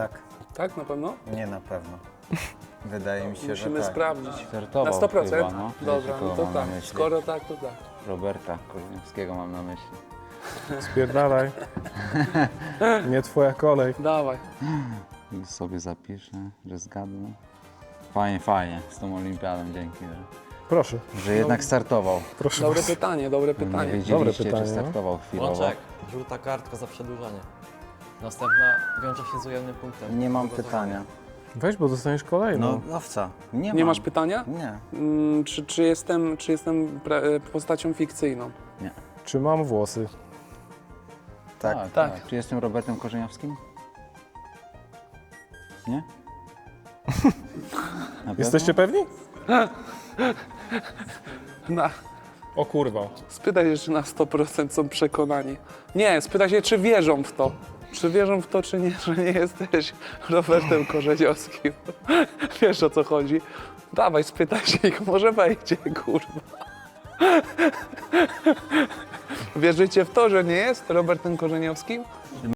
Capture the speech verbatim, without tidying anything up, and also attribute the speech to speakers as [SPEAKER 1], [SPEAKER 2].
[SPEAKER 1] Tak.
[SPEAKER 2] Tak, na pewno?
[SPEAKER 1] Nie na pewno. Wydaje mi się,
[SPEAKER 2] Musimy
[SPEAKER 1] że tak.
[SPEAKER 2] sprawdzić.
[SPEAKER 3] Startował
[SPEAKER 2] Na sto procent?
[SPEAKER 3] chyba, no.
[SPEAKER 2] Dobra,
[SPEAKER 3] Wiecie,
[SPEAKER 2] no
[SPEAKER 3] kogo
[SPEAKER 2] to
[SPEAKER 3] mam na
[SPEAKER 2] tak.
[SPEAKER 3] myśli?
[SPEAKER 2] Skoro tak, to tak.
[SPEAKER 3] Roberta Korzeniowskiego mam na myśli.
[SPEAKER 4] Spierdalaj. Nie twoja kolej.
[SPEAKER 2] Dawaj.
[SPEAKER 3] Już sobie zapiszę, że zgadnę. Fajnie, fajnie z tą olimpiadą, dzięki, że,
[SPEAKER 4] Proszę,
[SPEAKER 3] że jednak startował.
[SPEAKER 4] proszę
[SPEAKER 2] Dobre
[SPEAKER 4] bardzo.
[SPEAKER 2] pytanie, dobre
[SPEAKER 3] Nie
[SPEAKER 2] pytanie.
[SPEAKER 3] wiedzieliście,
[SPEAKER 4] pytanie,
[SPEAKER 3] czy
[SPEAKER 4] no.
[SPEAKER 3] startował chwilowo.
[SPEAKER 5] Łączek, żółta kartka za przedłużanie. Następna wiąże się z ujemnym punktem.
[SPEAKER 1] Nie mam
[SPEAKER 5] Przygotowania.
[SPEAKER 1] pytania.
[SPEAKER 4] Weź, bo dostaniesz kolejną.
[SPEAKER 1] No, owca. Nie,
[SPEAKER 2] Nie
[SPEAKER 1] mam.
[SPEAKER 2] masz pytania?
[SPEAKER 1] Nie.
[SPEAKER 2] Mm, czy, czy jestem, czy jestem pre- postacią fikcyjną?
[SPEAKER 4] Czy mam włosy?
[SPEAKER 1] Tak.
[SPEAKER 3] Tak,
[SPEAKER 2] Tak.
[SPEAKER 3] tak. Czy jestem Robertem Korzeniowskim? Nie? Na
[SPEAKER 4] Jesteście
[SPEAKER 3] pewno?
[SPEAKER 4] pewni?
[SPEAKER 2] Na,
[SPEAKER 4] O kurwa.
[SPEAKER 2] spytaj się, czy na sto procent są przekonani. Nie, spytaj się, czy wierzą w to. Czy wierzą w to, czy nie, że nie jesteś Robertem Korzeniowskim. Wiesz, o co chodzi? Dawaj, spytaj się ich, może wejdzie, kurwa. Wierzycie w to, że nie jest Robertem Korzeniowskim?